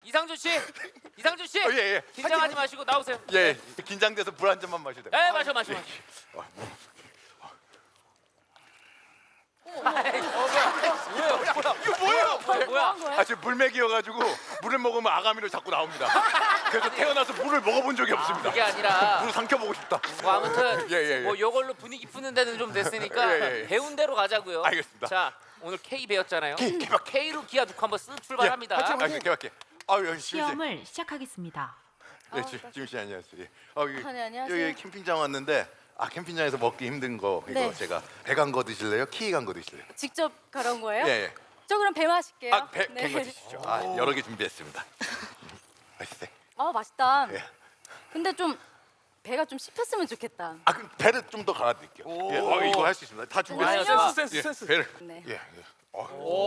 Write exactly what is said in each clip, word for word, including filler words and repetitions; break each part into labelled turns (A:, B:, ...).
A: 이상준 씨, 이상준 씨,
B: 어, 예, 예.
A: 긴장하지 마시고 나오세요.
B: 예, 긴장돼서 물 한 잔만 마셔도 돼요.
A: 네, 마셔, 마셔, 마셔.
B: 뭐야? 이거 뭐예요?
A: 어, 뭐야?
B: 아, 지금 물맥이여가지고 물을 먹으면 아가미로 자꾸 나옵니다. 그래서 태어나서 물을 먹어본 적이 없습니다.
A: 그게 아니라
B: 물을 삼켜보고 싶다.
A: 뭐 아무튼
B: 예, 예, 예.
A: 뭐 요걸로 분위기 푸는 데는 좀 됐으니까
B: 예, 예, 예.
A: 배운 대로 가자고요.
B: 알겠습니다.
A: 자, 오늘 K 배웠잖아요.
B: K, K 박-
A: K로 기아 놓고 한번 쓱 출발합니다.
B: 아, 개박해. 아유, 여기 지금 씨.
C: 시험을 시작하겠습니다.
B: 예, 지- 지금 씨 안녕하세요. 예. 아, 여기,
D: 아, 네, 안녕하세요.
B: 여기 캠핑장 왔는데 아 캠핑장에서 먹기 힘든 거 이거
D: 네.
B: 제가 배 간 거 드실래요? 키 간 거 드실래요?
D: 직접 가져온 거예요?
B: 예, 예.
D: 저 그럼 배 마실게요.
B: 아, 배,
D: 네.
B: 캔거 드시죠. 아, 여러 개 준비했습니다. 맛있어요.
D: 아, 맛있다.
B: 예.
D: 근데 좀 배가 좀 씹혔으면 좋겠다.
B: 아, 그럼 배를 좀 더 갈아드릴게요. 예, 어, 이거 할 수 있습니다. 다 준비했어요.
A: 아유,
B: 예, 배를.
D: 네.
B: 예, 예. 어,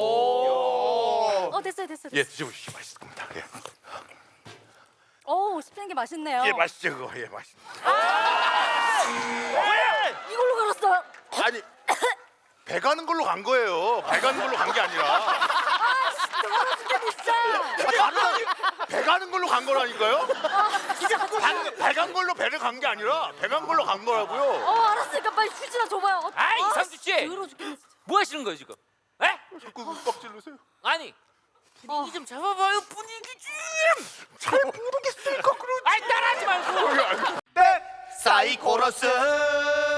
D: 어, 됐어요, 됐어요.
B: 예,
D: 됐어요.
B: 드셔보시죠. 맛있을 겁니다. 예,
D: 오, 씹히는 게 맛있네요.
B: 예 맛있죠 그거. 예, 맛있.
D: 이걸로 갈았어요.
B: 아니, 배 가는 걸로 간 거예요. 배 가는 걸로 간 게 아니라.
D: 진짜.
B: 아, 다른 배 가는 걸로 간 거라니까요? 배 간 걸로 배를 간 게 아니라 배 간 걸로 간 거라고요.
D: 어, 알았으니까 빨리 휴지나 줘봐요. 어,
A: 아이,
D: 아,
A: 이상준 씨!
D: 더러워 죽겠네, 진짜.
A: 뭐 하시는 거예요 지금? 에?
B: 자꾸 빡 찔르세요.
A: 아니 분위기 좀 잡아봐요. 분위기 좀.
B: 잘 모르겠으니까 그러지.
A: 아이 따라하지 말고.
B: 사이코러스